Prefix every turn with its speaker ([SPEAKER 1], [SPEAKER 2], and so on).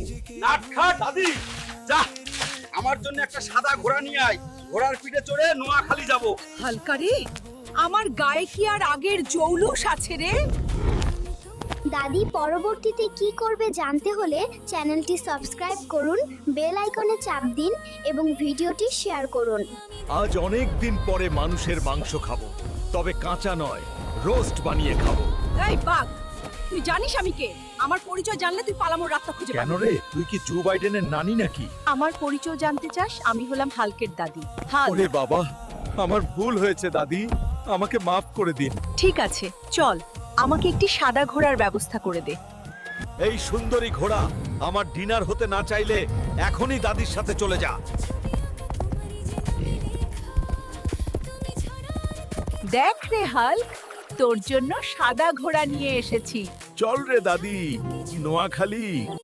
[SPEAKER 1] নাটখা দাদি, যা আমার জন্য একটা সাদা ঘোড়া নিয়ে আয়। ঘোড়ার পিঠে চড়ে নোয়াখালী যাব।
[SPEAKER 2] হালকা রে, আমার গায়ে কি আর আগের জৌলুস আছে রে?
[SPEAKER 3] দাদি পরবর্তীতে কি করবে জানতে হলে চ্যানেলটি সাবস্ক্রাইব করুন, বেল আইকনে চাপ দিন এবং ভিডিওটি শেয়ার করুন।
[SPEAKER 4] আজ অনেক দিন পরে মানুষের মাংস খাবো, তবে কাঁচা নয়, রোস্ট বানিয়ে খাবো।
[SPEAKER 2] এই বাঘ, তুই জানিস আমি কে? আমার পরিচয় জানলে তুই পালামোর রাস্তা খুঁজে
[SPEAKER 4] কেন
[SPEAKER 2] পাবি।
[SPEAKER 4] রে, তুই কি জো বাইডেনের নানি নাকি?
[SPEAKER 2] আমার পরিচয় জানতে চাস? আমি হলাম হালকের দাদি। হাল।
[SPEAKER 4] ওরে বাবা, আমার ভুল হয়েছে দাদি, আমাকে মাফ করে দিন।
[SPEAKER 2] ঠিক আছে, চল আমাকে একটি সাদা ঘোড়ার ব্যবস্থা করে দে।
[SPEAKER 4] এই সুন্দরী ঘোড়া আমার ডিনার হতে না চাইলে এখনই দাদির সাথে চলে যা।
[SPEAKER 2] দেখ রে হাল্ক, তোর জন্য সাদা ঘোড়া নিয়ে এসেছি।
[SPEAKER 4] চল রে দাদি, নোয়াখালী।